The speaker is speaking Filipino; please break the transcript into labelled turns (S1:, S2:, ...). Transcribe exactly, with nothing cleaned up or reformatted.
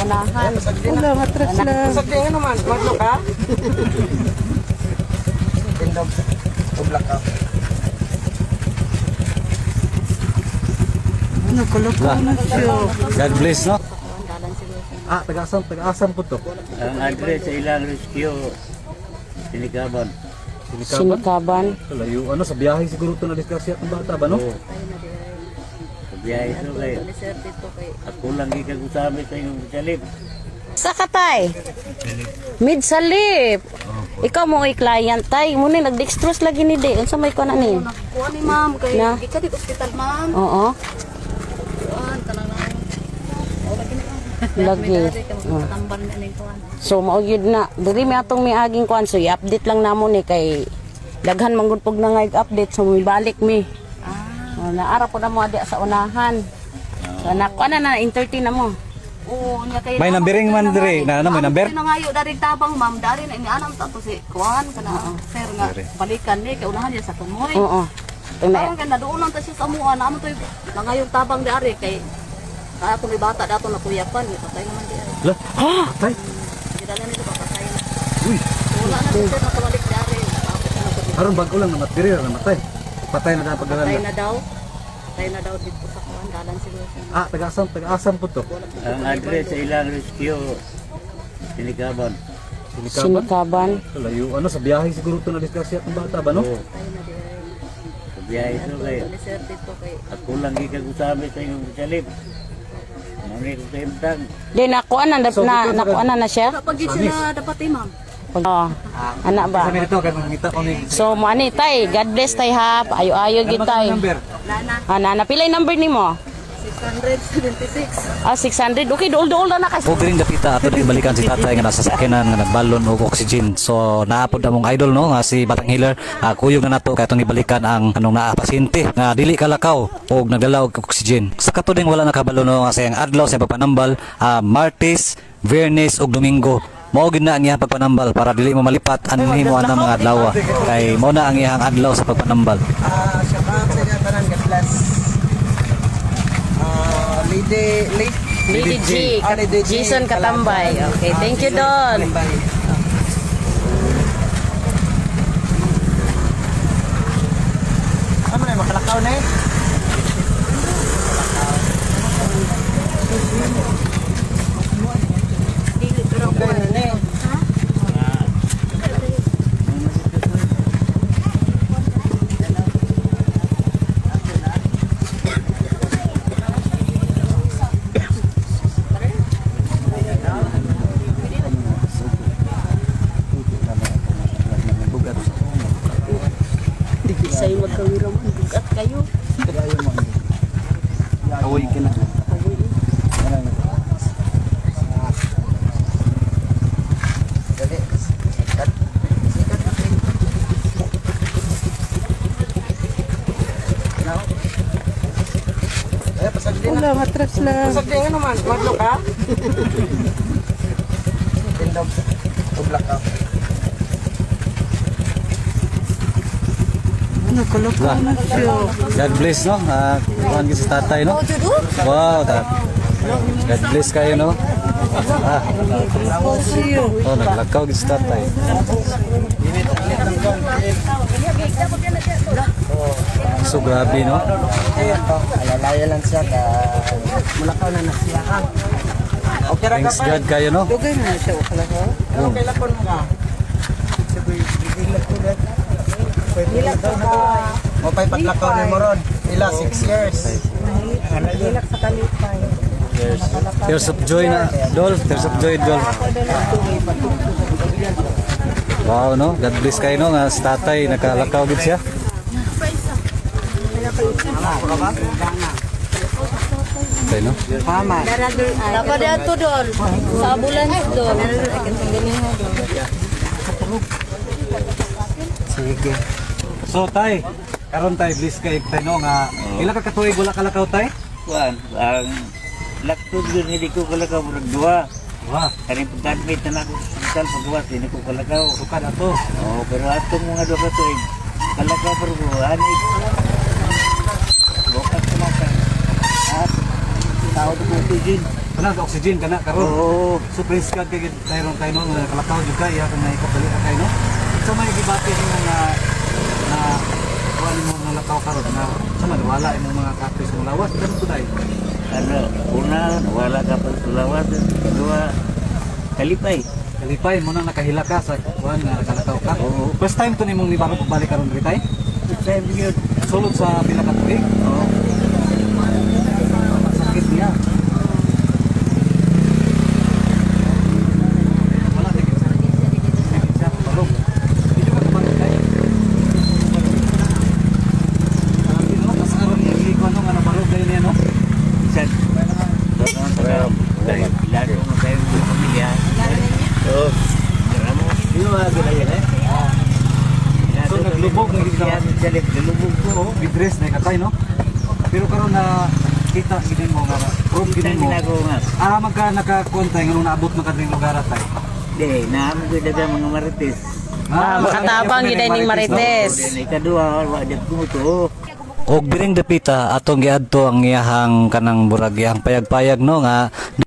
S1: unahan. Wala, matras lang.
S2: Sagdi nga naman, madlo ka? Tindog, tublak ka.
S1: Ano, kalakaw na siya.
S3: God bless, no? Ah, taga-asam, taga-asam po to.
S4: Ang address sa ilang rescue, Sinikaban.
S1: Sinikaban.
S3: Layo, ano, sa biyahe siguro ito na-discuss ang bata ba, no?
S4: Oo. Sa biyahe ito kayo. Ako lang gikag-usabi sa inyong salib.
S1: Sa katay? Mid salip. Ikaw mo ay client tay. Muna nag-dextrose lagi ni de. Unsa may kuan ani?
S5: Kuha ni ma'am kay
S1: Na?
S5: gika di hospital ma'am.
S1: Oo.
S5: Kuan kanang
S1: Lagi. Oh.
S5: tambal na ning kuan.
S1: So mao gyud na. Diri mi atong mi aging kuan so i-update lang namo ni kay daghan man gud pug na nga update so mi balik mi.
S5: Ah.
S1: Oh, naara po na mo di sa unahan. So na kuan na na entertain na mo.
S5: Oo, nya kay
S3: May numbering man diri, na ano, may number?
S5: Na ngayo dari tabang ma'am, dari na inianam ta to si kuan kana sir nga balikan ni kay unahan niya sa tumoy.
S1: Oo. Tung na
S5: Parang kay naduunan ta siya sa amuan, amo to na ngayong tabang dari kay kaya kung may bata dato na kuyapan, patay naman di ay.
S3: Lah, ha? Tay?
S5: Gidala nito papatay na.
S3: Uy,
S5: Wala na siya na kabalik dari. Tapos na ko
S3: aron bago lang namatay, namatay. Patay na dapat
S5: patay
S3: galan.
S5: na daw. Patay na daw dito sa kuan, dalan siguro siya.
S3: Ah, taga-asam, taga-asam po to.
S4: Ang address sa ilang rescue, Sinikaban.
S3: Sinikaban.
S1: Sinikaban.
S3: Layo, ano, sa biyahe siguro ito na-discuss ang bata ba, no?
S4: Oo. Sa biyahe ito kayo.
S5: Sir dito kay
S4: Ako lang gikag-usabi sa inyong salib. Mami ko sa imtang.
S1: Di nakuan na na nakuan na na siya.
S5: kapag yun sila dapat eh ma'am.
S1: Oh. Ana ba?
S3: Sabi nito, kaya mangita ko ni...
S1: So mo ani tay, God bless tay ha. Ayo-ayo gid tay.
S3: number?
S5: Nana,
S1: Ana na pilay number nimo?
S5: six seventy-six.
S1: Ah six hundred. Okay, dool-dool na na kay.
S3: O piring dapita ato din balikan si tatay nga nasa sakyanan nga nagbalon og oxygen. So naapod na mong idol no nga si Batang Healer. Uh, kuyog na nato kay atong ibalikan ang anong naa pasyente nga dili kalakaw og nagdala og oxygen. Sa kato ding wala nakabalo no nga sayang adlaw sa pagpanambal, uh, Martes, Viernes ug Domingo. Mao gid na ang iyang pagpanambal para dili mo malipat anhin mo ang mga adlaw kay mao na ang iyang adlaw sa pagpanambal.
S2: Ah, syabat sa inyo tanan, God bless. Ah, Lady, Lady,
S1: Lady G.
S2: Ah, Lady G.
S1: Jason Katambay. Okay, thank you Don.
S2: Ano na, makalakaw na eh? Okay na na eh.
S1: Di say magkawira man bugat kayo.
S3: Awoy ka na.
S2: Dali. Sikat. Sikat. Now. Eh, pasagdi na.
S1: Wala, matras lang.
S2: Pasagdi nga naman, madlo ka? Tindog, tublak ka.
S1: Ano, kalakaw na siya.
S3: God bless no. Ah, kuan si tatay no. Wow, ta. God bless kayo no. Ah, oh, naglakaw gid si tatay. So grabe no.
S2: Ayan to, alalaya lang siya ka mulakaw na nasiya ha. Okay ra ka
S3: Thanks
S2: pa.
S3: God kayo no.
S1: Dugay na siya kalakaw.
S2: Okay lang po ka. Sabi, bigilak ko na. Bigilak ko ka. O pa'y paglakaw ni Moron. Ila, six years. Bigilak sa kalipay.
S3: Tears of joy na. Dol, tears of joy dol. Wow no. God bless kayo no nga si tatay nakalakaw gid siya. Okay no.
S2: Mama.
S5: Dapat ato doon sa ambulance doon.
S2: Sige.
S3: So tay, karon tay bless kay tay no nga ila ka katuig wala kalakaw tay?
S4: Kuan, ang laktod yun, hindi ko kalakaw murag duha.
S3: Wah,
S4: Kaning pag-admit na ako sa hospital paggawas, hindi ko kalakaw.
S3: suka na to.
S4: Oo, pero atong mga duha ka tuig, kalakaw pero ko, anig. Bukas ko lang ka. At, tao ko oxygen.
S3: Kana ka oxygen kana karon.
S4: Oo.
S3: So praise God kay tayron tayo no nga kalakaw jud kay ya kung naikabali ka kay no. So may gibati ni nga na wala mo nga lakaw karon na sama wala imong mga kapis mo lawas ganun to dai.
S4: Ano, una, wala ka pa sa lawas. Dua, kalipay.
S3: Kalipay mo nang nakahila ka sa kuan nga nakalakaw ka.
S4: Oo.
S3: First time to nimong ni balik balik karon diri tay.
S4: Sa yun.
S3: Sulod sa pila ka tuig.
S4: Oo.
S3: Sakit niya. Wala sakit sa sakit siya balong. Dito ka kabalik tay. Sabi no, kas aron ni liko ano nga nabalog dai niya no.
S4: Isan. Doon sa dahil pilado mo tayo ng pamilya. Oo. Maramo. Iyo nga ginayan eh.
S3: So naglubog na gid ka.
S4: Yan, dalit, nalubog ko.
S3: Oo, bidres na katay no. Pero karon na kita gid mo nga proof gid
S4: Ang
S3: mo.
S4: ginagawa nga.
S3: Ah, magka nakakontay nga nung naabot man kadring lugar tay.
S4: Di, naamo ko daga mga marites.
S1: Ah, makatabang gid ay ning Marites.
S4: Then, ikadua, wajak ko to.
S3: Og biring dapita atong giadto ang iyahang kanang burag iyang payag-payag no nga